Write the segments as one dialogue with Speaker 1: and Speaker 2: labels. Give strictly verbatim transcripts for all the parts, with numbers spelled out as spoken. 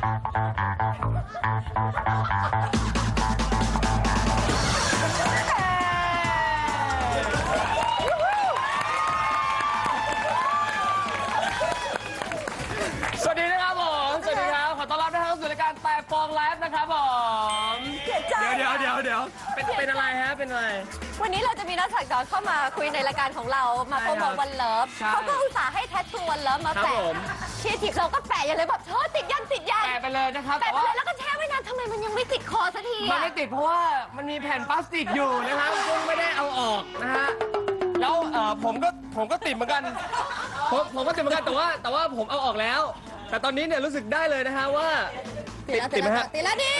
Speaker 1: สวัสดีนะครับผมสวัสดีครับขอต้อนรับนะครับสู่รายการแต่ฟองไลฟ์นะครับผมเดี๋ยวเดี๋ยวเดี๋ยวเดี๋ยวเป็นเป็นอะไรฮะเป็นอะไร
Speaker 2: วันนี้เราจะมีนักสักดอนเข้ามาคุยในรายการของเรามาโปรโมทวันเลิฟเขาก็อุตส่าห์ให้แทททูวันเลิฟมาแปะครีเอทีฟเราก็แปะอย่างเลยแบบเธอติดยันติดยัน
Speaker 1: แปะไปเลยนะครับ
Speaker 2: แปะไปเลยแล้วก็แช่ไว้นานทำไมมันยังไม่ติดคอสักที
Speaker 1: มันไม่ติดเพราะว่ามันมีแผ่นพลาสติกอยู่นะครับซึ่งไม่ได้เอาออกนะฮะแล้วเอ่อผมก็ผมก็ติดเหมือนกันผมผมก็ติดเหมือนกันแต่ว่าแต่ว่าผมเอาออกแล้ว แต่ตอนนี้เนี่ยรู้สึกได้เลยนะฮะว่า
Speaker 2: ติดติดไหมฮะติดแล้วดิ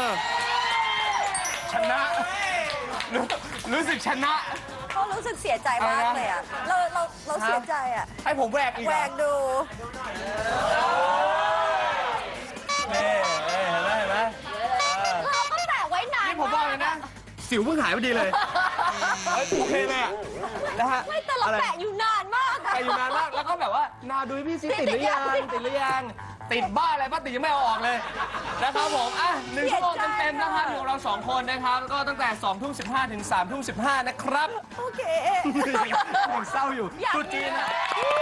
Speaker 1: ชนะรู้รู้สึกชนะ
Speaker 2: เขารู้สึกเสียใจมากเลยอ่ะเราเราเราเสียใจอ่ะ
Speaker 1: ให้ผมแหวกอีก
Speaker 2: แหวกดู
Speaker 1: เฮ้ยเห็นไหมเห็นไหม
Speaker 2: เราก็แปะไว้นาน
Speaker 1: นี่ผมบอกเลยนะสิวเพิ่งหายพอดีเลยโอเคเลยอ่ะนะฮะ
Speaker 2: ไม่แต่เราแปะอยู่นานมาก
Speaker 1: แปะอยู่นานมากแล้วก็แบบว่านาดูพี่ซิติดหรือยังติดหรือยังติดบ้าอะไรบ้าติดยังไม่เอาออกเลยนะครับผมอ่ะหนึ่งชั่วโมงเต็มๆนะครับอยู่เราสองคนนะครับก็ตั้งแต่สองทุ่มสิบห้าถึงสามทุ่มสิบห้านะครับ
Speaker 2: โอเค
Speaker 1: ยังเศร้าอยู่ตุ๊จีนอะ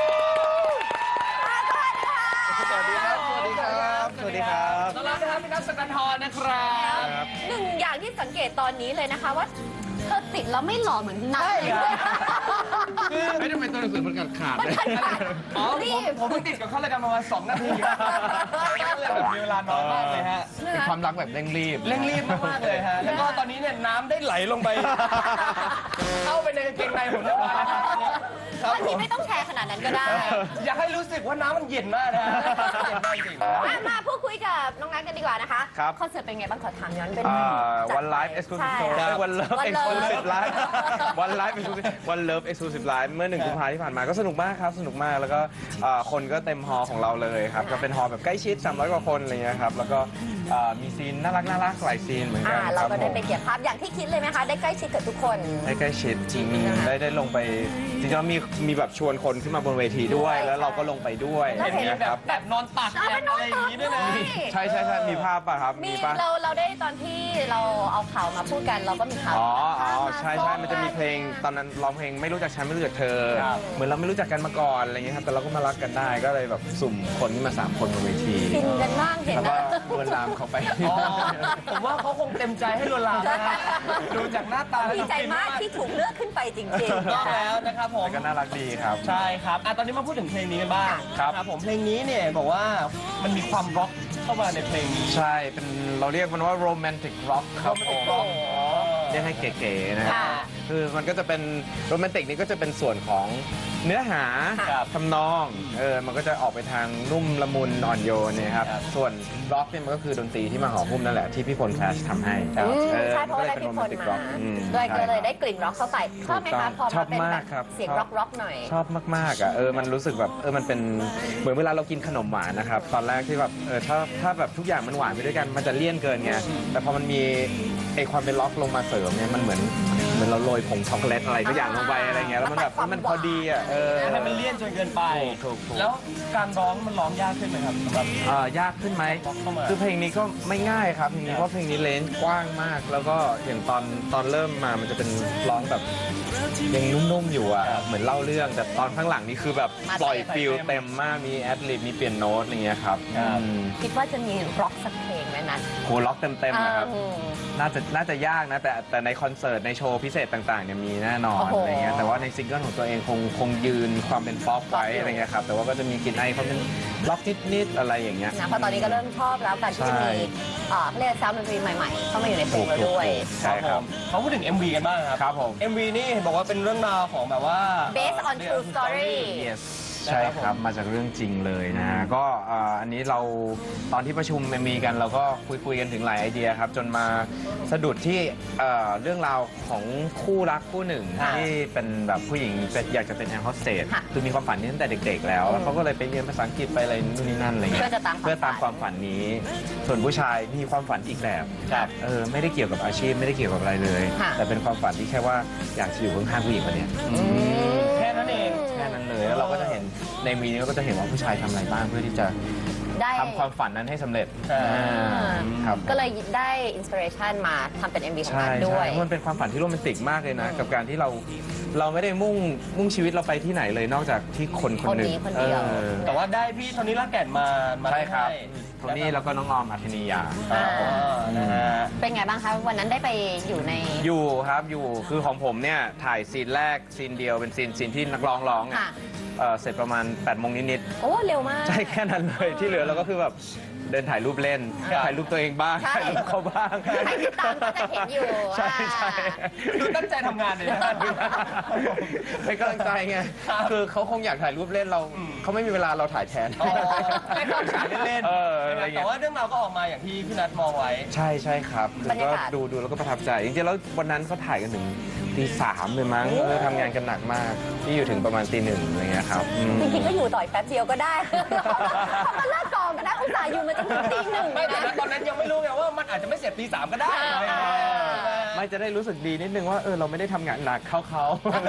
Speaker 2: สวัสดีครับ
Speaker 1: สวัสดีครับ
Speaker 3: สวัสดีครับ
Speaker 1: ต้อนรับนะครับพี่นัทสกันทรนะครับ
Speaker 2: หนึ่งอย่างที่สังเกตตอนนี้เลยนะคะว่าเธอติดแล้วไม่หล่อเหมือนนัทเลย
Speaker 3: ไม่ได้เป็นตัวหนังสือมันขาดขาดเลย
Speaker 1: อ๋อผมผมเพิ่งติดกับเขาเลยกันประมาณสองนาทีก็เลยแบบมีเวลาน้อยมากเลยฮะ
Speaker 3: เป็นความรักแบบเร่งรีบ
Speaker 1: เร่งรีบมากๆเลยฮะแล้วก็ตอนนี้เนี่ยน้ำได้ไหลลงไปเข้าไปในกางเกงในผมเรียบร้อยแล้ว
Speaker 2: วันนี้ไม่ต้องแชร์ขนาดนั้นก็ได้
Speaker 1: อยากให้รู้สึกว่าน้ำมันเย็นมากนะเย็นมากจริง
Speaker 2: มาพูดคุยกับน้องนัทกันดีกว่านะคะ
Speaker 3: ครับ
Speaker 2: คอนเสิร์ตเป็นไงบ้างขอถามย้อนเป็น
Speaker 3: วันไลฟ์เอ็กซ์คลูซีฟวันเลิฟเอ็กซ์คลูซีฟไลฟ์วันไลฟ์เอ็กซ์คลูซีฟวันเลิฟเอ็กซ์คลูซีฟไลฟ์เมื่อหนึ่งกุมภาพันธ์ที่ผ่านมาก็สนุกมากครับสนุกมากแล้วก็คนก็เต็มฮอลล์ของเราเลยครับก็เป็นฮอลล์แบบใกล้ชิดสามร้อยกว่าคนอะไรเงี้ยครับแล้วก็มีซีนน่ารักน่ารักหลายซีนเหมือนกัน
Speaker 2: เราก็ได้ไปเก็บภาพอย่างที่คิดเลยไหมคะได้ใกล้ชิดกับทุกคน
Speaker 3: ได้ใกล้ชิดจริงได้ได้ลงไปจริงๆมีมีแบบชวนคนขึ้นมาบนเวทีด้วยแล้วเราก็ลงไปด้วย
Speaker 1: เห็นมีแบบแบบนอนตักอะไรอย่างนี้ด้วยนะ
Speaker 3: ใช่ใช่ใช่มีภาพป่ะครับ
Speaker 2: มีป่ะเราเราได้ตอนที่เราเอาข่าวมาพูดกันเราก็มีข่าว
Speaker 3: อ๋ออ๋อใช่ใช่มันจะมีเพลงตอนนั้นร้องเพลงไม่รู้จักฉันไม่รู้จักเธอเหมือนเราไม่รู้จักกันมาก่อนอะไรเงี้ยครับแต่เราก็มารักกันได้ก็เลยแบบสุ่มคนขึ้นมาสามคนบนเวที
Speaker 2: ฟินกันมากเห็น
Speaker 3: แล้วก็ลวนลามเขาไป
Speaker 1: ผมว่าเขาคงเต็มใจให้ลวนลามนะดูจากหน้าตา
Speaker 2: ดีใจมากที่ถูกเลือกขึ้นไปจริงๆ
Speaker 1: ก็แล้วนะครับผม
Speaker 3: ก็น่ารักดีครับ
Speaker 1: ใช่ครับอ่ะตอนนี้มาพูดถึงเพลงนี้กันบ้างครับผมเพลงนี้เนี่ยบอกว่ามันมีความร็อกเข้ามาในเพลงนี้
Speaker 3: ใช่เป็นเราเรียกมันว่าโรแมนติกร็อกครับผมเรียกให้เก๋ๆนะคือมันก็จะเป็นโรแมนติกนี่ก็จะเป็นส่วนของเนื้อหาทำนองเออมันก็จะออกไปทางนุ่มละมุนอ่อนโยนเนี่ยครับส่วนร็อกเนี่ยมันก็คือดนตรีที่มาห่อหุ้มนั่นแหละที่พี่พลแคชทำให้
Speaker 2: ใช่เพราะว่าได้พี่พลมาด้วยก็เลยได้กลิ่นร็อกเข้าไปชอบไหมคะพอมาเป็นแบบเสียงร็อกร็อกหน่อย
Speaker 3: ชอบมากๆอ่ะเออมันรู้สึกแบบเออมันเป็นเหมือนเวลาเรากินขนมหวานนะครับตอนแรกที่แบบเออถ้าถ้าแบบทุกอย่างมันหวานไปด้วยกันมันจะเลี่ยนเกินไงแต่พอมันมีไอความเป็นล็อกลงมาเสริมเนี่ยมันเหมือนเหมือนเราโรยผงช็อกโกแลตอะไรทุกอย่างลงไปอะไรเงี้ยแล้วมันแบบมันพอดีอ่ะเออ
Speaker 1: ให้มันเลี่ยนจนเกินไปแล้วการร้องมันร้องยากขึ้นไหมครับแบบ
Speaker 3: เอ่อยากขึ้นไหมคือเพลงนี้ก็ไม่ง่ายครับเพลงนี้เพราะเพลงนี้เลนส์กว้างมากแล้วก็อย่างตอนตอนเริ่มมามันจะเป็นร้องแบบยังนุ่มๆอยู่อ่ะเหมือนเล่าเรื่องแต่ตอนข้างหลังนี่คือแบบปล่อยฟิลเต็มมากมีแอดลิบมีเปลี่ยนโน้ตอย่างเงี้ยครับ
Speaker 2: คิดว่าจะมีร็อกสักเพลงไหมนัท
Speaker 3: โหล็อกเต็มๆนะครับน่าจะน่าจะยากนะแต่แต่ในคอนเสิร์ตในโชว์พิเศษต่างๆเนี่ยมีแน่นอนอะไรเงี้ยแต่ว่าในซิงเกิลของตัวเองคงคงยืนความเป็นป๊อปไว้อะไรเงี้ยครับแต่ว่าก็จะมีกลิ่นไอความเป็นล็อกนิดๆอะไรอย่างเงี้ย
Speaker 2: นะเพราะตอนนี้ก็เริ่มชอบแล้วการที่จะมีเรียกซาวด์ดนตรีใหม่ๆเข้ามาอยู่ในเพลงเราด้วย
Speaker 3: ใช่ครับ
Speaker 1: เขาพูดถึง เอ็ม วี กันบ้างครับ
Speaker 3: ครับผม
Speaker 1: เอ็ม วี นี่บอกว่าเป็นเรื่องราวของแบบว่า
Speaker 2: based on true story
Speaker 3: ใช่ครับมาจากเรื่องจริงเลยนะก็อันนี้เราตอนที่ประชุมมีกันเราก็คุยคุยกันถึงหลายไอเดียครับจนมาสะดุดที่เรื่องราวของคู่รักคู่หนึ่งที่เป็นแบบผู้หญิงอยากจะเป็นแอร์โฮสเตสคือมีความฝันนี้ตั้งแต่เด็กๆแล้วเขาก็เลยไปเรียนภาษาอังกฤษไปอะไรนู่นนี่นั่นอะไรเงี้ยเพื่อตามความฝันนี้ส่วนผู้ชายมีความฝันอีกแบบเออไม่ได้เกี่ยวกับอาชีพไม่ได้เกี่ยวกับอะไรเลยแต่เป็นความฝันที่แค่ว่าอยากจะอยู่ข้างๆผู้หญิงคนนี้
Speaker 1: แค่นั้นเอง
Speaker 3: แค่นั้นเลยแล้วเราก็จะเห็นในวีนี้ก็จะเห็นว่าผู้ชายทำอะไรบ้างเพื่อที่จะ
Speaker 2: ได้
Speaker 3: ทำความฝันนั้นให้สำเร็จ
Speaker 1: อ่า
Speaker 3: อ่าครับ
Speaker 2: ก็เลยได้อินสปิเรชันมาทำเป็น เอ็ม วี ของ
Speaker 3: ใช่
Speaker 2: นัทด้ว
Speaker 3: ใช่
Speaker 2: ย
Speaker 3: มันเป็นความฝันที่โรแมนติกมากเลยนะ กับการที่เราเราไม่ได้มุ่งมุ่งชีวิตเราไปที่ไหนเลยนอกจากที่คนคนหนึ่ง
Speaker 2: คนนี้คนเดียว
Speaker 3: ออ
Speaker 1: แต่ว่าได้พี่โทนี่ลากแก่นมามา
Speaker 3: ใช่ครับ
Speaker 1: ให้
Speaker 3: โทนี่แล้วก็น้องออมอัธนียา
Speaker 1: อ่านะฮะ
Speaker 2: เป็นไงบ้างคะวันนั้นได้ไปอยู่ใน
Speaker 3: อยู่ครับอยู่คือของผมเนี่ยถ่ายซีนแรกซีนเดียวเป็นซีนซีนที่นักร้องร้องอ่ะ
Speaker 2: ค่ะ
Speaker 3: เอ่อเสร็จประมาณ8ปดโมงนิด
Speaker 2: โอ้เร็วมาก
Speaker 3: ๆใช่แค่นั้นเลยที่เหลือเราก็คือแบบเดินถ่ายรูปเล่น
Speaker 1: ครับ
Speaker 3: ถ่ายรูปตัวเองบ้าง
Speaker 2: ใช่
Speaker 3: ถ่ายรูปเขาบ้าง
Speaker 2: ใครติดตามก็จะเห็นอยู่
Speaker 3: ใช่ใช่
Speaker 1: ดูตั้งใจทำงานเลยนะ
Speaker 3: เป็นกำลังใจไงคือเขาคงอยากถ่ายรูปเล่นเราเขาไม่มีเวลาเราถ่ายแทน
Speaker 1: อ๋อแค่ความฉายเล่น
Speaker 3: เอออะไรเงี้ย
Speaker 1: แต่ว่าเรื่องราวก็ออกมาอย่างที่พี่นัทมองไว้
Speaker 3: ใช่ใช่ครับ
Speaker 2: บรรยากาศ
Speaker 3: ก็ดูดูแล้วก็ประทับใจ จริงๆแล้ววันนั้นเขาถ่ายกันถึงตีสามเลยมั้งเออทำงานกันหนักมากที่อยู่ถึงประมาณตีหนึ่งอะไรเงี้ยครับอืม
Speaker 2: จริงๆก็อยู่ต่อยแป๊บเดียวก็ได้ เขามาเลิกกองกันนะอุตส่าห์อยู่มาจนถึงตีหนึ่ง
Speaker 1: ไม่
Speaker 2: เลย
Speaker 1: แต่
Speaker 2: นะ
Speaker 1: ตอนนั้นยังไม่รู้ไงว่ามันอาจจะไม่เสร็จตีสามก็ได้
Speaker 2: อ่า
Speaker 3: ไม่จะได้รู้สึกดีนิดนึงว่าเออเราไม่ได้ทำงานหนักเข้าเขา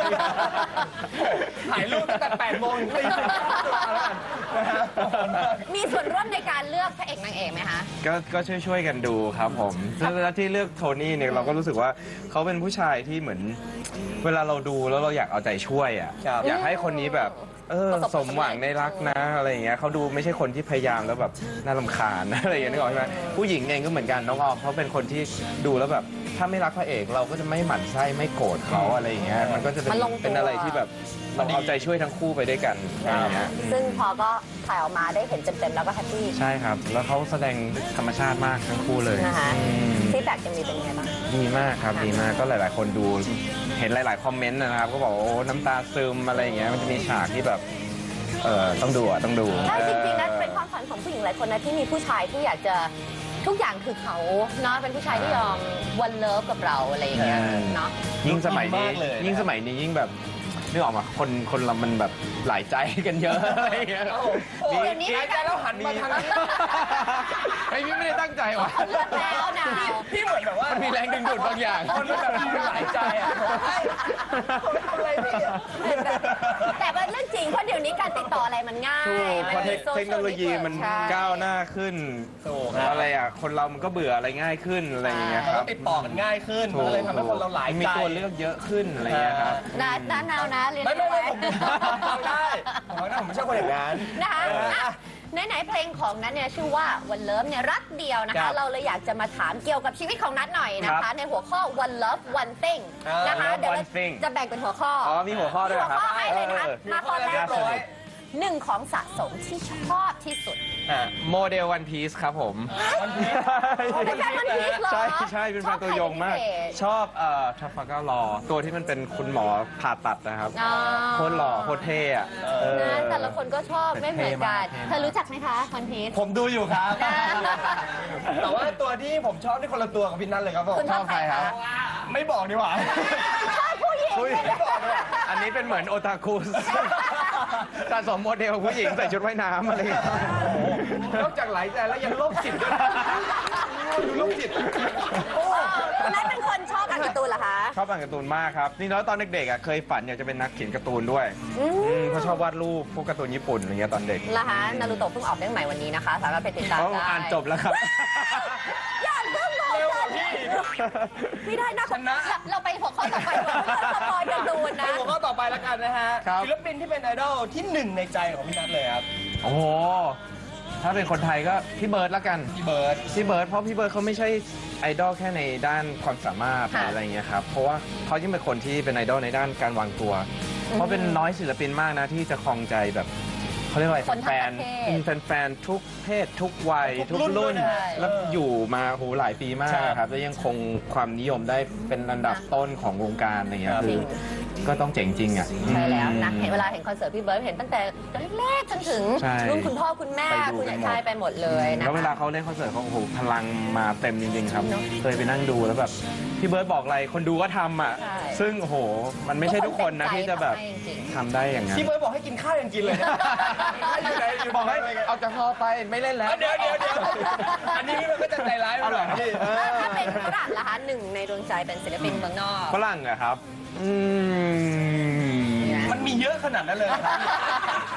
Speaker 1: ถ่ายรูปตั้งแต่แปดโมงถึงตีหนึ่งนะฮะ
Speaker 2: มีส่วนร่วมในการเลือกพระเอกนางเอกไหมคะ
Speaker 3: ก็ก็ช่วยช่วยๆกันดูครับผมแล้วที่เลือกโทนี่เนี่ยเราก็รู้สึกว่าเขาเป็นผู้ชายที่เหมือน เวลาเราดูแล้วเราอยากเอาใจช่วยอ่ะ
Speaker 1: ครับ
Speaker 3: อยากให้คนนี้แบบเออ
Speaker 2: ประสบ
Speaker 3: สมหวังในรักนะอะไรอย่างเงี้ยเขาดูไม่ใช่คนที่พยายามแล้วแบบน่ารำคาญ อะไรอย่างเงี้ยนึกออกใช่ไหมผู้หญิงเองก็เหมือนกันน้องออมเขาเป็นคนที่ดูแล้วแบบถ้าไม่รักพระเอกเราก็จะไม่หมั่นไส้ไม่โกรธเขาอะไรอย่างเงี้ยมันก็จะเป็น
Speaker 2: มันลงตัว
Speaker 3: เป็นอะไรที่แบบเราเอาใจช่วยทั้งคู่ไปด้วยกันอะไรอย่างเงี้ย
Speaker 2: ซึ่งพอก็ถ่ายออกมาได้เห็นเต็มๆแล้วก็แฮปปี้
Speaker 3: ใช่ครับ แล้วเขาแสดงธรรมชาติมากทั้งคู่เลย
Speaker 2: นะคะ
Speaker 3: อืม
Speaker 2: ฟีดแบ็กจะมีเป็นไงบ้าง
Speaker 3: ดีมากครับ ดีมาก ก็หลาย ๆ คนดู เห็นหลาย ๆ คอมเมนต์นะครับ ก็บอกว่าโอ้น้ำตาซึมอะไรอย่างเงี้ย มันจะมีฉากที่แบบ เออต้องดูอ่ะ ต้องดู
Speaker 2: ใช่จริงๆนะ
Speaker 3: ออ
Speaker 2: เป็นความฝันของผู้หญิงหลายคนนะที่มีผู้ชายที่อยากจะทุกอย่างคือเขาเนาะเป็นผู้ชายที่ยอมวันเลิฟกับเราอะไรอย่างเงี้ย
Speaker 3: ใช่
Speaker 2: เนาะ
Speaker 3: ยิ่งสมัยนี้
Speaker 1: มากเลยนะ
Speaker 3: ยิ่งสมัยนี้ยิ่งแบบนึกออกมาคนคนเรามันแบบหลายใจกันเยอะอะไรอย่างเงี้ย
Speaker 1: โอ้โห
Speaker 2: เดี๋ยวนี้
Speaker 1: หายใจแล้วหันมาทางนี้
Speaker 3: ไอ้พี่ไม่ได้ตั้งใจว่ะ
Speaker 2: เขาเลือกแล้วนะ
Speaker 1: พี่เหมือนแบบว่า
Speaker 3: มันมีแรงดึงดูดบางอย่าง
Speaker 1: คนมันแบบมีหลายใจอ่ะเฮ้ยทำอะไรพี่
Speaker 2: แต่เป็นเรื่องจริงเพราะเดี๋ยวนี้การติดต่ออะไรมันง่าย
Speaker 3: ถูกเพราะเทค
Speaker 2: โซชียล
Speaker 3: เทคโนโลยีมัน
Speaker 2: ใช่
Speaker 3: ก้าวหน้าขึ้น
Speaker 1: ถูกครับ
Speaker 3: อะไรอ่ะ คนเรามันก็เบื่ออะไรง่ายขึ้นอะไรอย่างเงี้ยครับ
Speaker 1: ติดต่อกันง่ายขึ้นมันก็เลยทำให้คนเราหลายใจ
Speaker 3: มีตัวเลือกเยอะขึ้นอะไรอย่างเงี้ยครับ
Speaker 2: นะนะนาวนะเรียน
Speaker 1: ไม่ไม่ไม่
Speaker 2: ไว้
Speaker 1: ผมผมฟังได้ผมฟังได้ผมไม่ใช่คนอย่างนั้น
Speaker 2: นะคะ
Speaker 1: เออ
Speaker 2: อ่ะไหนๆเพลงของนัทเนี่ยชื่อว่าวันเลิฟเนี่ยรักเดียวนะ
Speaker 1: ครั
Speaker 2: คะ
Speaker 1: บ
Speaker 2: เราเลยอยากจะมาถามเกี่ยวกับชีวิตของนัทหน่อยนะ
Speaker 3: ครั
Speaker 2: คะ
Speaker 3: บ
Speaker 2: ในหัวข้อ one love one thing
Speaker 1: อ่าน
Speaker 2: นะคะ
Speaker 3: Love
Speaker 2: เดี๋ยวเรา
Speaker 3: one thing
Speaker 2: จะแบ่งเป็นหัวข้อ
Speaker 3: อ๋อ มีหัวข้อด้วยเหรอครับ
Speaker 2: มีหัวข้อให้เลยนะคะ
Speaker 3: ออ
Speaker 2: มาข้อแรก
Speaker 1: เรียบร้อย
Speaker 2: หนึ่งของสะสมที่ชอบที่สุด
Speaker 1: อ่ะ
Speaker 3: โมเดลวันพีซครับผม
Speaker 1: วันพีซ
Speaker 2: อ๋อเป็นแฟน One Piece เหรอ
Speaker 3: ใช่ใช่เป็นแฟนตัวยงมาก
Speaker 2: ชอบใครเป็นพิเศษ
Speaker 3: ชอบเอ่อทัฟฟาก้ารอ ตัวที่มันเป็นคุณหมอผ่าตัดนะครับ
Speaker 2: อ๋อ
Speaker 3: โคตรหล่อโคตรเท่อะเออ
Speaker 2: นะแต่ละคนก็ชอบไม่เหมือนกัน
Speaker 3: เท่มาก
Speaker 2: เธอรู้จักไหมคะคอนพีช
Speaker 1: ผมดูอยู่ครับ
Speaker 2: อ่า
Speaker 1: แต่ว่าตัวที่ผมชอบนี่คนละตัวกับพี่นัทเลยครับผม
Speaker 2: คุณชอบใครคะ
Speaker 1: ไม่บอกดีกว่า
Speaker 2: ชอบผู้หญิง
Speaker 3: อุ๊ยอันนี้เป็นเหมือนโอตาคุสสะสมโมเดลผู้หญิงใส่ชุดว่ายน้ำอะไรอย่างเงี้ย
Speaker 1: นอกจากหลายใจแล้วยังโรคจิตด้วยดูโรคจิตโอ้
Speaker 2: คุณนัทเป็นคนชอบอ่านการ์ตูนเหรอคะ
Speaker 3: ชอบอ่านการ์ตูนมากครับ นี่แล้วตอนเด็กๆอ่ะเคยฝันอยากจะเป็นนักเขียนการ์ตูนด้วย
Speaker 2: อืม
Speaker 3: อืมเพราะชอบวาดรูปพวกการ์ตูนญี่ปุ่นอะไรเงี้ยตอนเด็ก
Speaker 2: เหรอคะนารูโตะเพิ่งออกเรื่องใหม่วันนี้นะคะ สามารถไปติดตาม
Speaker 3: เขา
Speaker 2: ได้
Speaker 3: อ่านจบแล้วครับ
Speaker 2: อย่าเพิ่งบอก
Speaker 1: เร็วก
Speaker 2: กั
Speaker 1: ว่าน พี่
Speaker 2: ไม่ได้นะ
Speaker 1: ชนะ
Speaker 2: เราเราไปหัวข้อต่อไปก่อนเพื่อสปอยการ์ตูนนะ
Speaker 1: หัวข้อต่อไปแล้วกันนะฮะ
Speaker 3: ครับ
Speaker 1: ศิลปินที่เป็นไอดอลที่หนึ่งในใจของพี่นัทเลยครับ
Speaker 3: โอ้โห ถ้าเป็นคนไทยก็พี่เบิร์ดละกัน
Speaker 1: พี่เบิร์ด
Speaker 3: พี่เบิร์ดเพราะพี่เบิร์ดเขาไม่ใช่ไอดอลแค่ในด้านความสามารถห
Speaker 2: ค่ะ
Speaker 3: รืออะไรเงี้ยครับ เพราะว่าเขายิ่งเป็นคนที่เป็นไอดอลในด้านการวางตัว เพราะเป็นน้อยศิลปินมากนะที่จะครองใจแบบเขาเรียกว่าอะไร
Speaker 2: คนทั้ง
Speaker 3: แฟ
Speaker 2: ป
Speaker 3: น
Speaker 2: ระเทศ
Speaker 3: ๆอืมแฟนๆทุกเพศ ทุกวัย
Speaker 1: ทุ
Speaker 3: ทุ
Speaker 1: ก
Speaker 3: ก
Speaker 1: รุ่
Speaker 3: รุ่
Speaker 1: น
Speaker 3: น
Speaker 1: ด้วยนะ
Speaker 3: แล้ว
Speaker 1: เออ
Speaker 3: อยู่มาโหหลายปีมาก
Speaker 1: ใช่
Speaker 3: ครับแล้วยังคงความนิยมได้เป็นอันดับต้นของวงการอะไรเงี้ย
Speaker 1: ครับ
Speaker 3: คือก็ต้องเจ๋งจริงอ่ะ
Speaker 2: ใช่แล้วนะ
Speaker 3: อืม
Speaker 2: เห็นเวลาเห็นคอนเสิร์ตพี่เบิร์ดเห็นตั้งแต่เล็กๆจนถึง
Speaker 3: ใช่
Speaker 2: รุ่นคุณพ่อคุณแม่
Speaker 3: ไปดู
Speaker 2: คุณ
Speaker 3: กันหมด
Speaker 2: ชายไปหมดเลยนะ
Speaker 3: แล้วเวลา
Speaker 2: คะ
Speaker 3: เขาเล่นคอนเสิร์ตเขาโอ้โหพลังมาเต็มจริง ๆ ครับ
Speaker 2: เนอะ
Speaker 3: เคยไปนั่งดูแล้วแบบพี่เบิร์ดบอกอะไรคนดูก็ทำอ่ะ
Speaker 2: ใช่
Speaker 3: ซึ่งโอ้โหมันไม่ใช่ทุกคนนะที่จะแบบ
Speaker 2: ทุกคนเต็มใจทำให้จริง
Speaker 3: ทำได้อย่างนั้น
Speaker 1: พี่เบิร์ดบอกให้กินข้าวยังกินเลยนะอยู่ไหนอยู่
Speaker 3: บอกให้
Speaker 1: ไหน
Speaker 3: เอาจากพอไปไม่เล่นแล้ว
Speaker 1: เดี๋ยวเดี๋ยวเดี๋ยวอันนี้มันก็จะใจร้ายไปหน่อยพี่
Speaker 2: ถ้าถ้าเป็นฝรั่งล่ะคะหนึ่งในดวงใจเป็นศิลปินเมืองนอก
Speaker 3: ฝรั่งเหรอะครับ อืม
Speaker 1: มันมีเยอะขนาดนั้นเลยเหรอครับ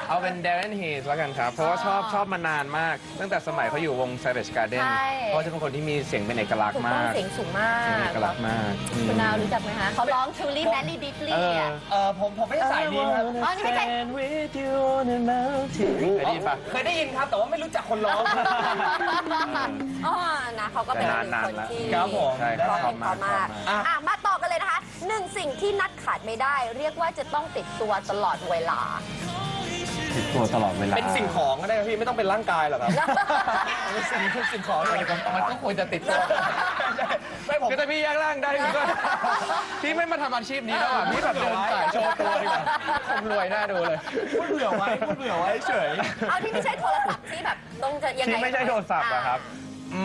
Speaker 3: เอาเป็น Darren Hayes แล้วกันครับ เพราะว่าชอบชอบมานานมาก ตั้งแต่สมัยเขาอยู่วง Savage Garden
Speaker 2: ใช่
Speaker 3: เพราะจะเป็นคนที่มีเสียงเป็นเอกลักษ
Speaker 2: ถู
Speaker 3: ณ์
Speaker 2: กต้อง
Speaker 3: มาก
Speaker 2: เสียงสูงมา
Speaker 3: เสียงเอกลัก
Speaker 2: ก
Speaker 3: ษณ์มากอืม
Speaker 2: คุณนาวรู้จักไหมคะเขาร้อง Truly Madly Deeply
Speaker 3: เออ
Speaker 2: อ่ะ
Speaker 1: เออผมผมไม่ได้สายนี้ครับ
Speaker 2: อ๋อนี่ไม่ใช่
Speaker 3: Stand with you on a mountain เคยได้ยินปะ
Speaker 1: เคยได้ยินครับ แต่ว่าไม่รู้จักคนร้อง
Speaker 2: อ๋อนะเขาก็เป็นหนึ่ง
Speaker 3: นาน
Speaker 2: คน
Speaker 3: ๆละ
Speaker 2: ที่
Speaker 1: ครับผม
Speaker 3: ใช่ครับ
Speaker 2: ร้อง
Speaker 3: ช
Speaker 2: เพ
Speaker 3: อ
Speaker 2: ล
Speaker 3: บ
Speaker 2: งเพ
Speaker 3: มาก
Speaker 2: ราะ
Speaker 3: ชอบ
Speaker 2: มาก
Speaker 3: มาก
Speaker 1: อ่ะ
Speaker 2: อ่ะมาต่อกันเลยนะคะหนึ่งสิ่งที่นัดขาดไม่ได้ เรียกว่าจะต้องติดตัวตลอดเวลา
Speaker 3: ติดตัวตลอดเวลา
Speaker 1: เป็นสิ่งของก็ได้ครับพี่ไม่ต้องเป็นร่างกายหรอกครับเป็นสิ่งสิ่งของเลยครับ
Speaker 3: มันก็ควรจะติดตัว
Speaker 1: ไม่ผม
Speaker 3: คือแต่พี่แยกร่างได้พี่ก็ พี่ไม่มาทำอาชีพนี้แล้วอ่ะพี่แบบเดินสายโชว์ตัวดีกว่าคงรวยน่าดูเลย
Speaker 1: พูดเผื่อไว้พูดเผื่อไว้เฉย
Speaker 2: เอาที่ไม่ใช่โทรศัพท์ที่แบบต้องจะยังไง
Speaker 3: ที่ไม่ใช่โทรศัพท์อะครับ อื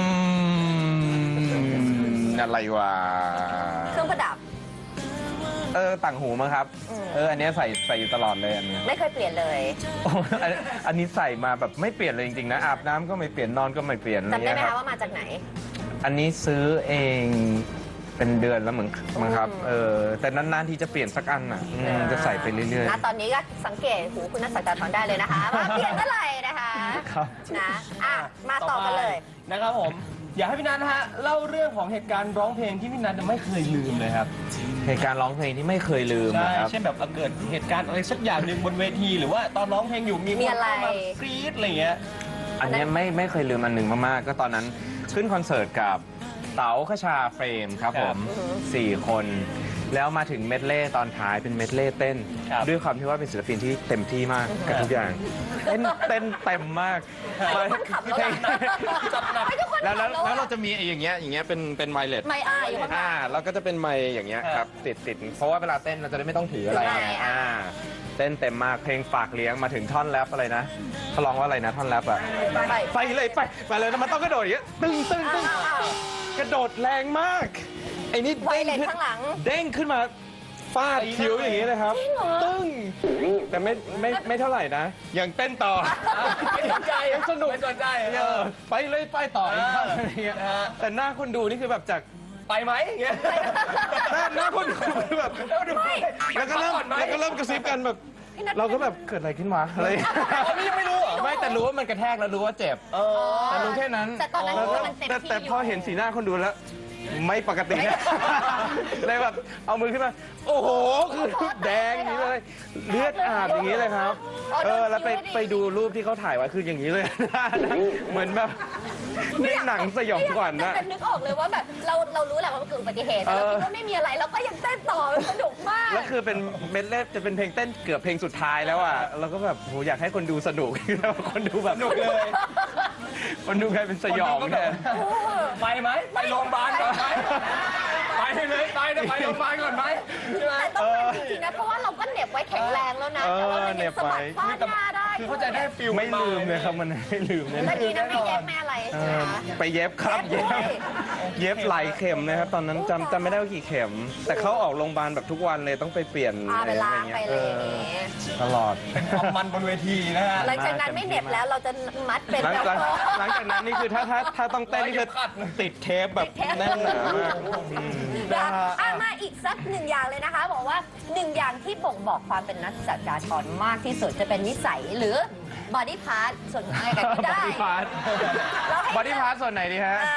Speaker 3: มอะไรวะ
Speaker 2: เครื่องประดับ
Speaker 3: เออต่างหูมั้งครับ
Speaker 2: อืม
Speaker 3: เอออันเนี้ยใส่ใส่อยู่ตลอดเลยอันเนี้ย
Speaker 2: ไม่เคยเปลี่ยนเลย
Speaker 3: โอ้อันอันนี้ใส่มาแบบไม่เปลี่ยนเลยจริงๆนะอาบน้ำก็ไม่เปลี่ยนนอนก็ไม่เปลี่ยนอะไร
Speaker 2: จำได้
Speaker 3: เงี้
Speaker 2: ไหม
Speaker 3: ยค
Speaker 2: คะ
Speaker 3: รับ
Speaker 2: ว่ามาจากไหน
Speaker 3: อันนี้ซื้อเองเป็นเดือนแล้วเหมือนมั้งครับ
Speaker 2: อืม
Speaker 3: เออแต่นานๆที่จะเปลี่ยนสักอันอ่ะอืมจะใส่ไปเรื่อย
Speaker 2: นะตอนนี้ก็สังเกตหูคุณนักสักดาทรได้เลยนะคะว่าเปลี่ยนเมื่อไหร่นะคะ
Speaker 3: ครับ
Speaker 2: นะอ่ะมาต่อกันเลย
Speaker 1: นะครับผมอยากให้พี่นัทนะฮะเล่าเรื่องของเหตุการณ์ร้องเพลงที่พี่นัทไม่เคยลืมเลยครับ
Speaker 3: ๆเหตุการณ์ร้องเพลงที่ไม่เคยลืม
Speaker 1: ใช่
Speaker 3: นะครับ
Speaker 1: เช่นแบบเกิดเหตุการณ์อะไรสักอย่างหนึ่งบนเวที หรือว่าตอนร้องเพลงอยู่มีค
Speaker 2: มี
Speaker 1: น
Speaker 2: อะไร
Speaker 1: เข้ามากรี๊ดอะไรเงี้ย
Speaker 3: อันเนี้ยไม่ไม่เคยลืมอันหนึ่งมากๆ ก็ตอนนั้นขึ้นคอนเสิร์ตกับเต๋าขชาเฟรมครับผมสี่คน แล้วมาถึงเมดเล่ตอนท้ายเป็นเมดเล่เต้น
Speaker 1: ครับ
Speaker 3: ด้วยความที่ว่าเป็นศิลปินที่เต็มที่มากกับทุกอย่าง เต้นเต้นเต็มมาก
Speaker 2: ไม่ทุกคนขับแล้วนะ
Speaker 1: จัดหนัก
Speaker 2: ไม่ทุกคน
Speaker 3: แล้วแล้ว
Speaker 2: ขับ
Speaker 3: แล้ว
Speaker 2: อะ
Speaker 3: เราจะมีไอ้อย่างเงี้ยอย่างเงี้ยเป็นเป็นไวเลส
Speaker 2: ไม่อายอยู่ข้างหลั
Speaker 3: อ่าง แล้วก็จะเป็นไมค์อย่างเงี้ย
Speaker 1: ครับ
Speaker 3: ครับติดติดเพราะว่าเวลาเต้นเราจะได้ไม่ต้องถืออะไร
Speaker 2: ใช่
Speaker 3: ไง
Speaker 2: อ่า
Speaker 3: อ่าเต้นเต็มมากเพลงฝากเลี้ยงมาถึงท่อนแรปอะไรนะเขาร้องว่าอะไรนะท่อนแรปอะ
Speaker 2: ไป
Speaker 3: ไปเลยไปไปเลยนะมันต้องกระโดดอย่างเงี้ยตึ้งตึ้งตึ้ง
Speaker 2: อ้าวอ้าว
Speaker 3: กระโดดแรงมากไอ้นี่
Speaker 2: ไว
Speaker 3: เด้ง
Speaker 2: เลส
Speaker 3: ขึ้น
Speaker 2: ข้างหลัง
Speaker 3: เด้งขึ้นมาฟาดคิ้วอย่างนี้เลยครับ
Speaker 2: จริงเหรอ
Speaker 3: ตึ้งแต่ไม่ไม่ไม่เท่าไหร่นะยังเต้นต่อ
Speaker 1: ไม่สนใจ
Speaker 3: ยังสนุก
Speaker 1: ไม่สนใจ
Speaker 3: เออไปเลยไปต่ออีกท่อนอะไรเงี้ย
Speaker 1: นะฮะ
Speaker 3: แต่หน้าคนดูนี่คือแบบจาก
Speaker 1: ไปไหมอย่างเงี้ย
Speaker 3: หน้าหน้าคนดูคือแบบ
Speaker 2: ไม่
Speaker 3: แล้วก็เริ่ม
Speaker 1: พักผ่อนไหม
Speaker 3: แล้วก็เริ่มกระซิบกันแบบ
Speaker 2: พี่นัท
Speaker 3: เราก็แบบเกิดอะไรขึ้นวะอะไร
Speaker 1: อ๋อนี่ยังไม่รู้เหรอ
Speaker 3: ไม่แต่รู้ว่ามันกระแทกแล้วรู้ว่าเจ็บ
Speaker 1: เออ
Speaker 3: แต่รู้แค่นั้น
Speaker 2: แต่ตอนนั้น
Speaker 3: แล้วก็
Speaker 2: มันเต็ม
Speaker 3: แต่
Speaker 2: ที่
Speaker 3: แต่
Speaker 2: อยู่
Speaker 3: พอเห็นสีหน้าคนดูแล้ว ไม่ปกตินะเลยแบบเอามือขึ้นมา โอ้โหคือแดงอย่างนี้เลย เลือดอาบอย่างนี้เลยครับ เออแล้วไปไปดูรูปที่เขาถ่ายไว้คืออย่างนี้เลย เหมือนแบบในหนังสยองขวัญ
Speaker 2: แต่
Speaker 3: นะ
Speaker 2: เป็นนึกออกเลยว่าแบบเราเรารู้แหละว่ามันเกิดอุบัติเหตุแต่เรา
Speaker 3: เออ
Speaker 2: คิดว่าไม่มีอะไรเราก็ยังเต้นต่อมันสนุกมาก
Speaker 3: แล้วคือเป็นเมดเล่จะเป็นเพลงเต้นเกือบเพลงสุดท้ายแล้วอ่ะเราก็แบบโหอยากให้คนดูสนุก แล้วคนดูแบบ
Speaker 1: สนุกเลย
Speaker 3: คนดูกลายเป็นสยองแทน
Speaker 1: ไปไหมไปโรงพยาบาลก่อนไหมไปเลยไปนะไปโรงพยาบาลก่อนไหมใช่ไหม
Speaker 2: แต่ต้องมันจริงๆนะเพราะว่าเราก็เหน็บไว้แข็งแรงแล้วนะ
Speaker 3: เออ
Speaker 2: แต่ว่ามัน
Speaker 3: เหน็
Speaker 2: ยัง
Speaker 3: บ
Speaker 2: สะ
Speaker 3: ไว้
Speaker 2: บัดฟาดหน้าได้
Speaker 1: คือเขาใจะได้ฟิล
Speaker 3: ไม่ลืมเลยครับมันไม่ลืมเลย
Speaker 2: เมื่อกี้นะไม่เย็บไม่อะไร
Speaker 3: เอ
Speaker 2: ใช่ไหม
Speaker 3: อ
Speaker 2: คะ
Speaker 3: ไปเย็บครับ
Speaker 2: เย็
Speaker 3: เย็
Speaker 2: บบ ด้วย
Speaker 3: เย็บหลายเข็มนะครับ ตอนนั้นจำจำไม่ได้ว่ากี่เข็ม แต่เขาออกโรงพยาบาลแบบทุกวันเลยต้องไปเปลี่ยน
Speaker 2: พาไปล้าง
Speaker 3: อะ
Speaker 2: ไป
Speaker 3: ร
Speaker 2: เลย
Speaker 3: อ
Speaker 2: อย่าง
Speaker 3: อ
Speaker 2: เงี้ย
Speaker 3: ตลอด
Speaker 1: ความมันบนเวทีนะฮะ
Speaker 2: หลังจากนั้นไม่เหน็บแล้วเราจะมัดเป็น
Speaker 3: หลัง
Speaker 2: แล้ว
Speaker 3: หลังหลังจากนั้นนี่คือถ้าถ้าถ้าต้องเต้นนี่คือติดเทปแบบแน่นหนามากอืม
Speaker 2: นะอ่ะมาอีกสักหนึ่งอย่างเลยนะคะ บอกว่าหนึ่งอย่างที่บ่งบอกความเป็นนักจัดการทรมากที่สุดจะเป็นนิสัยหรือบอดี้พาร์ทส่วนอะไรกันก็
Speaker 3: บอ
Speaker 2: ได้
Speaker 3: ดี้พาร์ท
Speaker 2: เราให้
Speaker 3: บอดี้พาร์ทส่วนไหนดีฮะ
Speaker 2: อ่า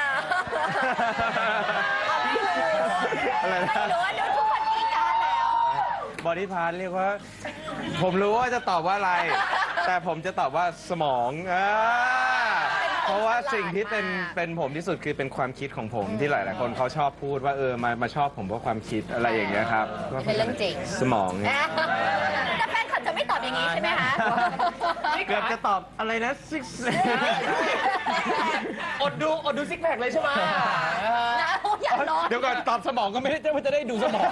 Speaker 2: ไม่รู้
Speaker 3: อะไรนะ
Speaker 2: ไม่รู้ว่าเดี๋ยวทุกคนมีการแล้ว
Speaker 3: บอดี้พาร์ทเรียกว่า ผมรู้ว่าจะตอบว่าอะไร แต่ผมจะตอบว่าสมองอ่าเพราะว่าสิ่งที่เป็นเป็นผมที่สุดคือเป็นความคิดของผมที่หลาย ๆ คนเขาชอบพูดว่าเออมามาชอบผมเพราะความคิดอะไรอย่างเงี้ยครับ
Speaker 2: เป็นเรื่องจริง
Speaker 3: สมองเนี่ย
Speaker 2: แต่แฟนคลับจะไม่ตอบอย่างนี้ใช่ไหมคะ
Speaker 3: เกือบจะตอบอะไรนะ six
Speaker 1: อดดูอดดูซิกแพคเลยใช่ไหม
Speaker 2: นะอย่าร้อง
Speaker 3: เดี๋ยวก่อนตอบสมองก็ไม่ได้ว่าจะได้ดูสมอง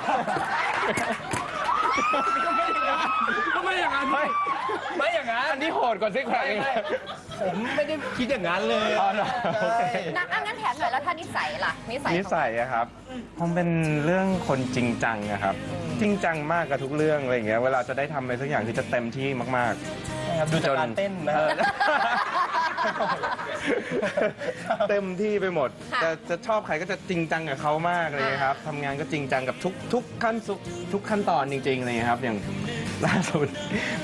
Speaker 1: ก็ไม่อย่างนั้นไม่ไม่อย่างนั้น
Speaker 3: อันนี้โหดกว่าซิกแพค
Speaker 1: ไม่
Speaker 3: อีก
Speaker 1: ไม่ผมไม่ได้คิดอย่างนั้นเลย
Speaker 3: อ๋อเหรอโอเค
Speaker 2: นะอ่ะงั้นแถมหน่อยแล้วถ้านิสัยล่ะนิสัย
Speaker 3: นิสัยอะครับผมเป็นเรื่องคนจริงจังอะครับ จริงจังมากกับทุกเรื่องอะไรอย่างเงี้ยเวลาจะได้ทำอะไรสักอย่างคือจะเต็มที่มากๆ
Speaker 1: ครับดูจากการเต้นนะ
Speaker 3: เอ
Speaker 1: ฮะ
Speaker 3: อเต็มที่ไปหมดจะจะชอบใครก็จะจริงจังกับเขามากเลยครับทำงานก็จริงจังกับทุกทุกขั้นทุกทุกขั้นตอนจริงๆเลยครับ อย่างล่าสุดแบบ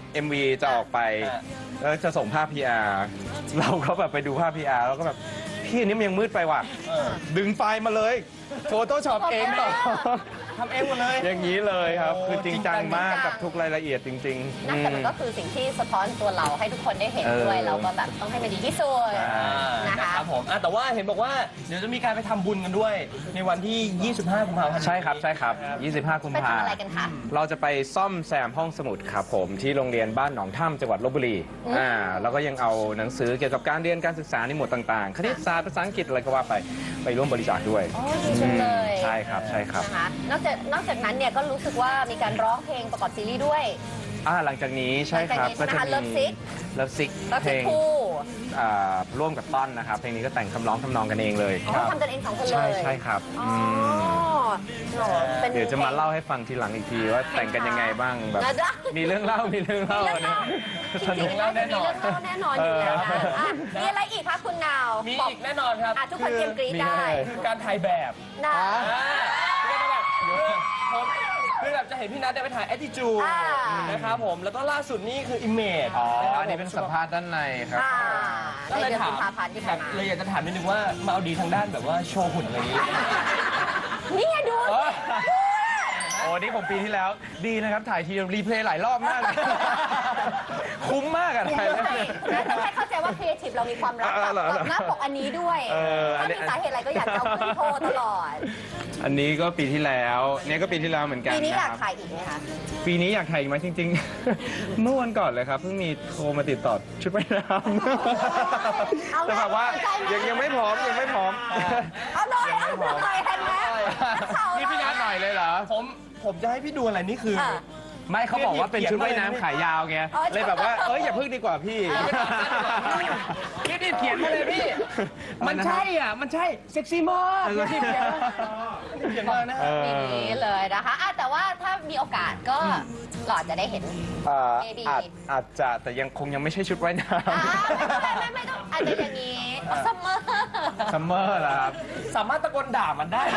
Speaker 3: เอ็ม วี จะออกไปแล้วจะส่งภาพ พี อาร์ เราก็แบบไปดูภาพ พี อาร์ แล้วก็แบบพี่อันนี้มันยังมืดไปว่ะดึงไฟล์มาเลยโฟโต้ช็อปเองต่อ
Speaker 1: ทำเองหมดเลย
Speaker 3: อย่างนี้เลยครับ
Speaker 1: โอ้
Speaker 3: คือจริงจังมาก
Speaker 2: จริงจัง
Speaker 3: กับทุกรายละเอียดจริงๆ
Speaker 2: นั่นแต่มันก็คือสิ่งที่สะท้อนตัวเราให้ทุกคนได้เห็นด้วย
Speaker 3: เออ
Speaker 2: เราก็แบบต้องให้มันดีที่สุด
Speaker 3: ใช่
Speaker 2: นะคะ
Speaker 1: นะครับผมอ่ะแต่ว่าเห็นบอกว่าเดี๋ยวจะมีการไปทำบุญกันด้วย ในวันที่ ยี่สิบห้า กุมภาพันธ์
Speaker 3: ใช่ครับใช่ครับ ยี่สิบห้า กุม
Speaker 2: ไป
Speaker 3: ภา
Speaker 2: ทำ
Speaker 3: พัน
Speaker 2: อะไร
Speaker 3: ธ์
Speaker 2: กันคะ
Speaker 3: เราจะไปซ่อมแซมห้องสมุดครับผมที่โรงเรียนบ้านหนองถ้ำจังหวัดลบบุรี
Speaker 2: อืม
Speaker 3: อ่าแล้วก็ยังเอาหนังสือเกี่ยวกับการเรียนการศึกษาในหมวดต่างๆ คณิตศาสตร์ภาษาอังกฤษอะไรก็ว่าไปไปร่วมบริจาคด้วย
Speaker 2: โอ้ดีจังเลย
Speaker 3: ใช่ครับใช่ครับ
Speaker 2: นะคะนอกจากนอกจากนั้นเนี่ยก็รู้สึกว่ามีการร้องเพลงประกอบซีรีส์ด้วย
Speaker 3: อ่าหลังจากนี้ใช่ครับ
Speaker 2: หลังจากนี้ใช่ไหมคะ Love Sick
Speaker 3: เลิฟซิก
Speaker 2: แล้ว
Speaker 3: เพล
Speaker 2: เป็น
Speaker 3: ง
Speaker 2: คู่
Speaker 3: อ่าร่วมกับต้นนะครับเพลงนี้ก็แต่งคำร้องทำนองกันเองเลย
Speaker 2: อ๋อทำกันเองสองคนเล
Speaker 3: ใช่
Speaker 2: ย
Speaker 3: ใช่ครับ
Speaker 2: อ๋อ
Speaker 3: ม
Speaker 2: เหรอเป็น
Speaker 3: เดี๋ยวจะมาเล่าให้ฟังทีหลังอีกทีว่าแต่งกันยังไงบ้างแบบ
Speaker 2: นะจ๊ะ
Speaker 3: มีเรื่องเล่ามีเรื่อง
Speaker 2: มี
Speaker 3: เล่า
Speaker 2: เรื่อง
Speaker 3: นะ
Speaker 2: เล่าจริงๆแล้วจะมีเรื่องเล่าแน่นอนอยู่แล้วนะอ่ะมีอะไรอีกคะคุณนาว
Speaker 1: มี
Speaker 2: บอก
Speaker 1: อีกแน่นอนครับ
Speaker 2: อ่ะทุกคนเตรียมกรี๊ด
Speaker 3: มี
Speaker 2: ได้
Speaker 3: อะไร
Speaker 1: คือการถ่ายแบบ
Speaker 2: นะ
Speaker 1: อ่าคือการถ่ายแบบคือผมคือแบบจะเห็นพี่นัทได้ไปถ่าย attitude
Speaker 2: อ่า
Speaker 1: นะครับผมแล้วก็ล่าสุดนี่คือ image
Speaker 3: อ๋อ
Speaker 1: ะครับ
Speaker 3: อันนี้เป็นสัมภาษณ์ด้านในครับ
Speaker 2: อ่า
Speaker 1: ก็
Speaker 2: ใน
Speaker 1: เลย
Speaker 2: เดือน
Speaker 1: ถา
Speaker 2: กุ
Speaker 1: ม
Speaker 2: มภาพันธ์ที่
Speaker 1: แบ
Speaker 2: ผ่าน
Speaker 1: บ
Speaker 2: มา
Speaker 1: เลยอยากจะถามนิดนึงว่ามาเอาดีทางด้านแบบว่าโชว์หุ่นอะไรอย่างนี้
Speaker 2: นี่ไงดู
Speaker 3: เออ โอ้นี่ผมปีที่แล้ว ดีนะครับ ถ่ายทีรีเพลย์หลายรอบมากเลย คุ้มมากอะถ่ายแล้ว
Speaker 2: ใช่แล้วต้องให้เข้าใจว่าครีเอทีฟเรามีความรัก
Speaker 3: อ่าเหรอ
Speaker 2: กับหน้าปกอันนี้ด้วย
Speaker 3: เอออั
Speaker 2: ถ้าน
Speaker 3: นี้
Speaker 2: มีสาเหตุอะไรก็อยากจะเอาขึ้นโชว์ตลอด
Speaker 3: อันนี้ก็ปีที่แล้ว เนี่ยก็ปีที่แล้วเหมือนกัน
Speaker 2: ปีนี้อยาก
Speaker 3: นะครับ
Speaker 2: ถ่ายอีกไหมคะ
Speaker 3: ปีนี้อยากถ่ายอีกไหมจริง ๆ เมื่อวันก่อนเลยครับเพิ่งมีโทรมาติดต่อชุดว่ายน้
Speaker 2: เอา
Speaker 3: ำ
Speaker 2: ไหม
Speaker 3: แต่แบบว่า
Speaker 2: ใจไหม
Speaker 3: ยังยังไม่พร้อมยังไม่พร้อม
Speaker 2: เอาหน่อยเอาหน่อยเห็นไหมนักข่าว
Speaker 3: นี่พี่นัทหน่อยเลยเหรอ
Speaker 1: ผมผมจะให้พี่ดูอะไรนี่คือ
Speaker 2: อ่ะ
Speaker 3: ไม่เขาบอกว่าเป็นชุดว่ายน้ำขายาวไง
Speaker 2: อ๋อ
Speaker 3: เลยแบบว่า เอ้ยอย่าพึ่งดีกว่าพี่
Speaker 1: พี่นี่เขียนมาเลยพี่ มันใช่อ่ะ มันใช่เซ็กซี่มากพี่เขียนมาเขียนมานะ
Speaker 3: เออ
Speaker 2: ปีนี้เลยนะคะอ่ะแต่ว่าถ้ามีโอกาสก็หลอดจะได้เห็น
Speaker 3: เอ่อ
Speaker 2: Maybe
Speaker 3: อาจอาจจะแต่ยังคงยังไม่ใช่ชุดว่ายน้
Speaker 2: อ่าไม่ไม่ไม่ต้องอาจจะอย่างนี้ซัมเมอร์
Speaker 3: ำซัมเมอร์ล่ะครับ
Speaker 1: สามารถตะโกนด่ามันได้นะ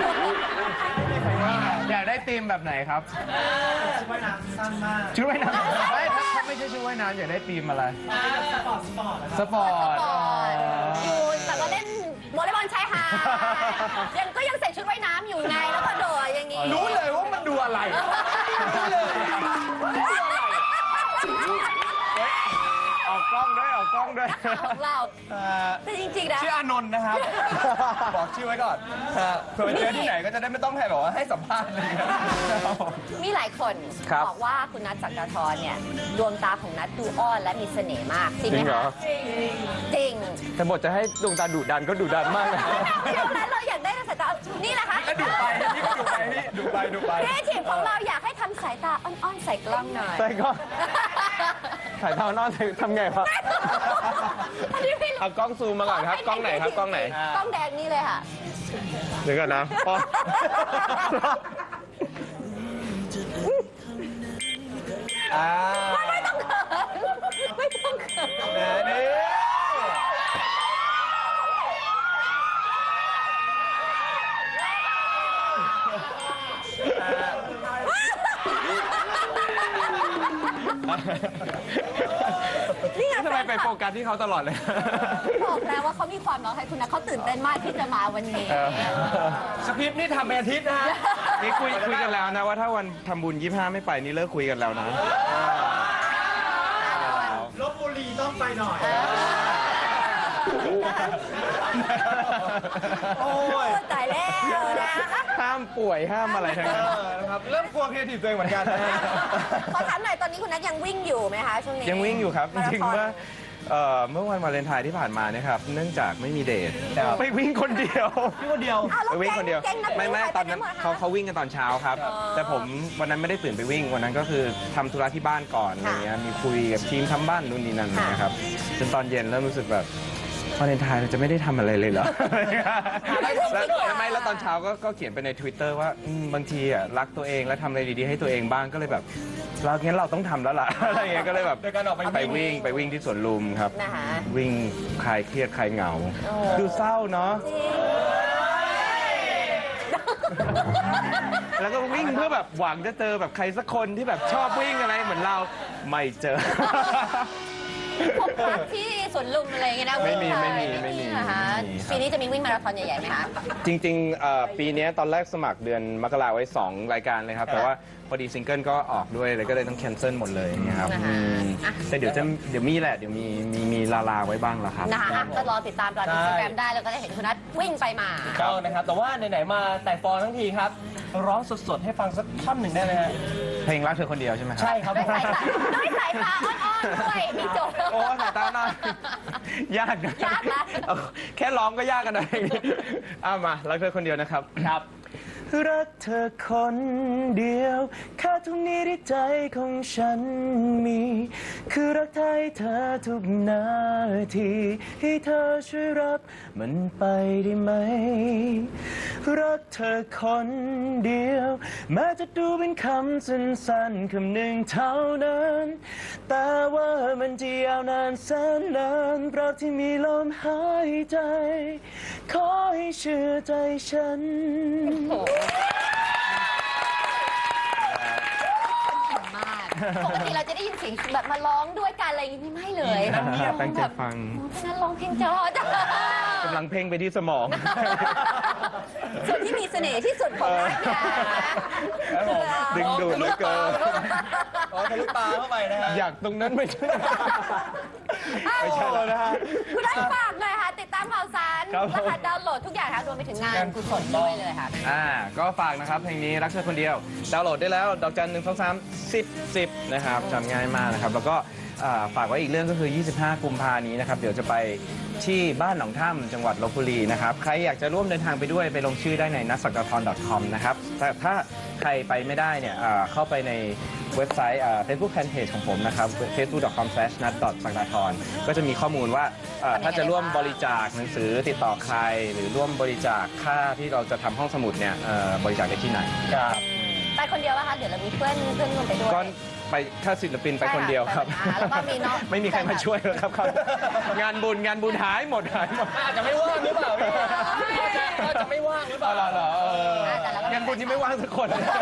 Speaker 3: อยากได้ธีมแบบไหนครับ ชุดว่ายน้ำสั้นมาก ชุดว่ายน้ำไม่ถ้าถ้าไม่ใช่ชุดว่ายน้ำอยากได้ธีมอะไร สปอร์ต สปอร์ต สปอร์ต
Speaker 2: อยู่แต่ก็เล่นวอลเลย์บอลชายหาดยังก็ยังใส่ชุดว่ายน้ำอยู่ไงแล้วก็โดดอย่างนี้
Speaker 1: รู้เลยว่ามันดูอะไรรู้เลยว่ามันดูอะไร
Speaker 3: ออกกล้องด้วยออกกล้องด้วย
Speaker 2: ของเรา
Speaker 1: เอ่อ
Speaker 2: แต่จริงๆนะ
Speaker 1: ชื่ออานนท์นะครับ บอกชื่อไว้ก่อนฮะเผื่อไปเจอที่ไหนก็จะได้ไม่ต้องให้แบบว่าให้สัมภาษณ์อะไรอย่างเงี้ยนะครับผม
Speaker 2: มีหลายคน
Speaker 3: ครับ
Speaker 2: บอกว่าคุณนัทจักรทรเนี่ยดวงตาของนัทดูอ้อนและมีเสน่ห์มากจริงไหม
Speaker 3: จริงเหรอ
Speaker 2: คะจริง
Speaker 3: แต่บทจะให้ดวงตาดุดันก็ดุดันมากนะ
Speaker 2: เดี๋ยวนั้นเราอยากได้สายตานี่แหละคะ
Speaker 1: ก็ดูไปพี่ก็ดูไปพี่ดูไปดูไป
Speaker 2: ครีเอทีฟของเราอยากให้ทำสายตาอ้อนๆใส่กล้องหน่อย
Speaker 3: ใส่ก็ถ่ายเท่านอนทำไงครับ
Speaker 2: อันนี้ไม่รู้
Speaker 3: เอากล้องซูมมาก่อนครับ กล้องไหนครับ กล้องไหน
Speaker 2: กล้องแดงนี่เลยค่ะ
Speaker 3: เดี๋ยวก่อนนะอ๋ออ่า
Speaker 2: ไม่ต้องเขินไม่ต้องเขิน
Speaker 1: แหมนี่
Speaker 2: นี่ไง
Speaker 3: ทำไมไปโฟกัสที่เขาตลอดเลย
Speaker 2: บอกแล้วว่าเขามีความรักให้คุณนะเขาตื่นเต้นมากที่จะมาวันนี้
Speaker 1: สคริปต์นี่ทำเป็นอาทิตย์นะฮะ
Speaker 3: นี่คุยคุยกันแล้วนะว่าถ้าวันทำบุญยี่ห้าไม่ไปนี่เลิกคุยกันแล้วนะ
Speaker 4: ลบบุรีต้องไปหน่อย
Speaker 1: โอ้ย
Speaker 2: ตายแล้วนะ
Speaker 3: ห้ามป่วยห้ามอะไรทั้งนั้น
Speaker 1: เออนะครับเริ่มกลัวครีเอทีฟตัวเองเหมือนกันนะฮะ
Speaker 2: ขอถามหน่อยตอนนี้คุณนัทยังวิ่งอยู่ไหมคะช่วงนี้
Speaker 3: ยังวิ่งอยู่ครับจ
Speaker 2: มาา
Speaker 3: ริง
Speaker 2: ธอน
Speaker 3: ๆว่าเอ่อเมื่อวันวาเลนไทน์ที่ผ่านมาเนี่ยครับเนื่องจากไม่มีเดท
Speaker 1: ครับ
Speaker 3: ไปวิ่งคนเดียว
Speaker 1: พี่คนเดียว
Speaker 2: อ้าว
Speaker 3: ไป
Speaker 2: แล้ว
Speaker 3: วิ่งคนเดียว
Speaker 2: แก๊งนัก
Speaker 3: ไม่ไม่
Speaker 2: วิ่ง
Speaker 3: ตอนนั้น
Speaker 2: ไปไหหมดคะ
Speaker 3: เขาเขาวิ่งกันตอนเช้าครับ
Speaker 2: อ๋อ
Speaker 3: แต่ผมวันนั้นไม่ได้ตื่นไปวิ่งวันนั้นก็คือทำธุระที่บ้านก่อนอะไรเงี้ยมีคุยกับทีมทำบ้านนู่นนี่นั่นอะไรเงี้ยครับจนตอนเย็นเริ่มรู้สึกแบบวาเลนไทน์เราจะไม่ได้ทำอะไรเลยเหรอ
Speaker 1: อะไรทำ
Speaker 3: แล้ว
Speaker 1: ซะหน่อย
Speaker 3: ไม่แล้วตอนเช้าก็ก็เขียนไปใน Twitter ว่าอืมบางทีอ่ะรักตัวเองแล้วทำอะไรดีๆให้ตัวเองบ้างก็เลยแบบเรางั้นเราต้องทำแล้วล่ะ อะไรเงี้ยก็เลยแบบ
Speaker 1: โดยการออกไป
Speaker 3: ไปวิ่งไปวิ่งที่สวนลุมครับ
Speaker 2: นะคะ
Speaker 3: วิ่งคลายเครียดคลายเหงา
Speaker 2: โอ้
Speaker 3: ดูเศร้าเนาะ
Speaker 2: จริง
Speaker 3: แล้วก็วิ่งเพื่อแบบหวังจะเจอแบบใครสักคนที่แบบชอบวิ่งอะไรเหมือนเราไม่เจอ
Speaker 2: พบรักที่สวนลุมอะไรอย่างเงี้ยนะ
Speaker 3: ไม่มี
Speaker 2: วิ่ง
Speaker 3: ไม่มี
Speaker 2: ป
Speaker 3: ไม่มี
Speaker 2: นะคะ
Speaker 3: ไม่มีครับ
Speaker 2: ปีนี้จะมีวิ่งมาราธอนใหญ่ๆไหมคะ
Speaker 3: จริงๆเอ่อปีเนี้ยตอนแรกสมัครเดือนมกราไว้ สอง รายการเลยครับ แต่ว่าพอดีซิงเกิลก็ออกด้วยเลยก็เลยต้องแคนเซิลหมดเลยอย่างเงี้ยครับ
Speaker 2: นะคะ
Speaker 3: อืม
Speaker 2: อ่ะ
Speaker 3: แต่เดี๋ยวจะเดี๋ยวมีแหละ เดี๋ยวมีมีมีลาลาไว้บ้างแล้วครับ
Speaker 2: นะคะอ่ะก็รอติดตามตอนอินสตาแกรม
Speaker 1: ใช่
Speaker 2: ได้แล้วก็ได้เห็นคุณนัทวิ่งไปมา
Speaker 1: ก็นะครับ แต่ว่าไหนๆมาแต่ฟอร์ทั้งทีครับ ร้องสดๆ ให้ฟังสักท่อนหนึ่งได้ไหมฮะ
Speaker 3: เพลงรักเธอคนเดียวใช่ไหมครับ
Speaker 1: ใช่ครับ
Speaker 2: ด้วยสายตาด้วยสายตาอ่อนๆด้วยมีโจทย์
Speaker 3: โอ้สายตาหน่อยยากนะ
Speaker 2: ยากนะ
Speaker 3: เอาแค่ร้องก็ยากกันนะเอามารักเธอคนเดียวนะครับ
Speaker 1: ครับ
Speaker 3: รักเธอคนเดียวแค่ตรงนี้ที่ใจของฉันมี คือรักเธอให้เธอทุกนาทีให้เธอช่วยรับมันไปได้ไหม รักเธอคนเดียวแม้จะดูเป็นคำสั้นๆคำหนึ่งเท่านั้น แต่ว่ามันจะยาวนานแสนนานตราบที่มีลมหายใจ ขอให้เชื่อใจฉัน
Speaker 2: มากปกติเราจะได้ยินเสียงแบบมาร้องด้วยกันอะไรอย่างนี้ไม่เลย
Speaker 3: ตั้งใจตั้งใจฟัง
Speaker 2: เพราะฉะนั้นร้องเพลงจอจ้ะ
Speaker 3: กำลังเพ่งไปที่สมอง
Speaker 2: ส่วนที่มีเสน่ห์ที่สุดของนัทเนี่ย
Speaker 3: ดึงดูดเหลือเกิน
Speaker 1: อ๋อทะลุตาเข้าไปนะฮะ
Speaker 3: อยากตรงนั้นไม่ใช่ ไม่ใช่แล้วนะฮะ
Speaker 2: คุณนัทฝากหน่อยค่ะ ติดตามข่าวสาร
Speaker 3: ครับผม
Speaker 2: รหัสดาวน์โหลดทุกอย่างค่ะรวมไปถึงงานกุศลด้วยเลยค่ะ
Speaker 3: อ่าก็ฝากนะครับเพลงนี้รักเธอคนเดียว ดาวน์โหลดได้แล้ว ดอกจันหนึ่งสองสามสิบสิบนะครับจำง่ายมากนะครับ แล้วก็อ่าฝากไว้อีกเรื่องก็คือ ยี่สิบห้า กุมภานี้นะครับ เดี๋ยวจะไปที่บ้านหนองถ้ำจังหวัดลบบุรีนะครับ ใครอยากจะร่วมเดินทางไปด้วยไปลงชื่อได้ใน นัทศักดาธร ดอท คอม นะครับ แต่ถ้าใครไปไม่ได้เนี่ยอ่าเข้าไปในเว็บไซต์อ่า Facebook Fanpage ของผมนะครับ เฟซบุ๊ก ดอท คอม สแลช นัท ศักดาธร ก็จะมีข้อมูลว่าอ่าถ้าจะร่วมบริจาคหนังสือติดต่อใคร หรือร่วมบริจาคค่าที่เราจะทำห้องสมุดเนี่ยเอ่อบริจาคได้ที่ไหน
Speaker 1: ครับ
Speaker 2: ไปคนเดียวนะคะเดี๋ยวเรามีเพื่อนเพื่อนร่วมไปด้วย
Speaker 3: ก็ไปถ้าศิลปินไปคนเดียวครับ
Speaker 2: ใช่ค่ะแล้วก็มีน้อง
Speaker 3: ไม่มีใครมาช่วยเลยครับครับ งานบุญงานบุญหายหมดหายหมด
Speaker 1: อาจจะไม่ว่างหรือเปล่าพี่ก็จะก็จะไม่ว่างหรือเปล่า
Speaker 3: เหรอเหรอเอองานบุญที่ไม่ว่างสักคน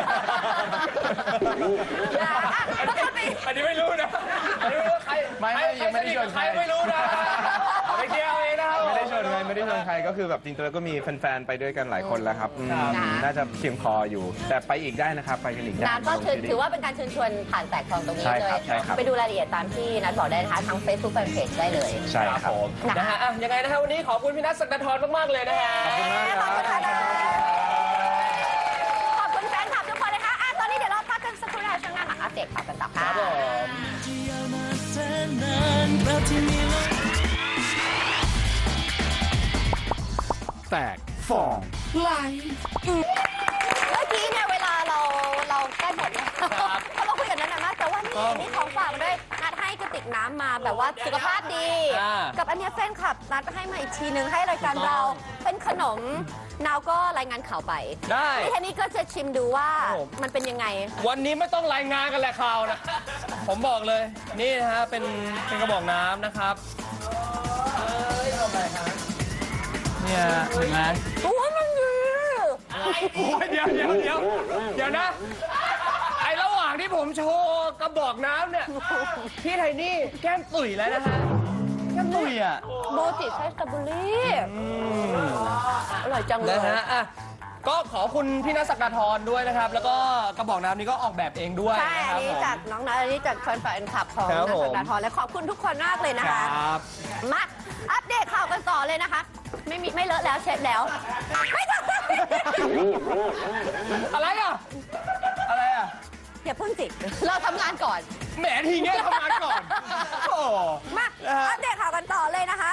Speaker 1: อันนี้ไม่รู้นะอันนี้ไม่รู้ว่าใคร
Speaker 3: ไม่ไม่ยังไม่ได้ชวน
Speaker 1: ใค
Speaker 3: ใค
Speaker 1: ร
Speaker 3: ร
Speaker 1: ไม่รู้นะไปเที่ยวเองนะครับ
Speaker 3: ไม่ได้ชวนใครไม่ได้ชวนใครก็คือแบบจริงๆแล้วก็มีแฟนๆไปด้วยกันหลายคนแล้วครับอืม
Speaker 2: ครับ
Speaker 3: น่าจะเพียงพออยู่ แต่ไปอีกได้นะครับไปกันอีกได้
Speaker 2: นัทก็ถือถือว่าเป็นการเชิญชวนผ่านแตกทองตรงนี้
Speaker 3: ใช่
Speaker 2: เล
Speaker 3: ครั
Speaker 2: ย
Speaker 3: บใช่ครับ
Speaker 2: ไปดูรายละเอียดตามที่นัทบอกได้นะคะทาง Facebook Fanpage ได้เลย
Speaker 3: ใช่ครับ
Speaker 1: ผม
Speaker 2: นะ
Speaker 1: นะฮะอ่ะยังไงนะฮะวันนี้ขอบคุณพี่นัทศักดาธรมากๆเลยนะฮะ
Speaker 3: ขอบคุณมากครับ
Speaker 2: ขอบคุณค่ะขอบคุณแฟนคลับทุกคนนะคะอ่ะตอนนี้เดี๋ยวเราพักกันสักครู่นะคะช่วงหน้ามาอัปเดตข่าวกันต่อค่ะ
Speaker 1: ครับผม
Speaker 5: แตกฟอง
Speaker 2: เมื่อกี้เนี่ยเวลาเราเราใกล้หมดแล้วเพราะเราคุยกันนั้นมากแต่ว่านี่นี่ของฝากมาด้วยนัดให้กระติกน้ำมาแบบว่าสุขภาพดี
Speaker 1: อ่า
Speaker 2: กับอันเนี้ยแฟนคลับนัดให้มาอีกทีนึงให้รายการเราเป็นขนมนาวก็รายงานข่าวไป
Speaker 1: ได้
Speaker 2: นี่แทนนี่ก็จะชิมดูว่า
Speaker 1: ครับผม
Speaker 2: มันเป็นยังไง
Speaker 1: วันนี้ไม่ต้องรายงานกันแหละข่าวนะ ผมบอกเลย นี่นะฮะ เป็นเป็นกระบอกน้ำนะครับเนี่ยเห็นไหม
Speaker 2: โอ้ยมันดี
Speaker 1: โอ้ยเดี๋ยวเดี๋ยวเดี๋ยวเดี๋ยวนะ ไอระหว่างที่ผมโชว์กระบอกน้ำเนี่ย พี่ไทนี่แก้มตุ๋ยแล้วนะฮะ แก้มตุ๋ยอ่ะ
Speaker 2: โบจิไส้สตรอเบอรี่อร่อยจังเล
Speaker 1: นะ
Speaker 2: ย
Speaker 1: ฮะอ่ะก็ขอบคุณพี่นัทศักดาธรด้วยนะครับ แล้วก็กระบอกน้ำนี้ก็ออกแบบเองด้วย
Speaker 2: ใช่
Speaker 1: นะค
Speaker 2: อัน
Speaker 1: รับ
Speaker 2: นี้
Speaker 1: ผม
Speaker 2: จากน้องนัทอันนี้จากแฟนแฟนคลับของ
Speaker 1: ครั
Speaker 2: นั
Speaker 1: บ
Speaker 2: ท
Speaker 1: ผม
Speaker 2: สักดาธรและขอบคุณทุกคนมากเลยนะ
Speaker 1: ค
Speaker 2: คะ
Speaker 1: รับ
Speaker 2: มาอัปเดตข่าวกันต่อเลยนะคะ ไม่มีไม่เลอะแล้วเช็ดแล้ว ไม่ต้อง
Speaker 1: อะไรอ่ะ อะไรอ่ะ
Speaker 2: อย่าเพิ่งจิเราทำงานก่อน
Speaker 1: แหมทีเงี้ยทำงานก่อน โอ้
Speaker 2: มาอัปเดตข่าวกันต่อเลยนะคะ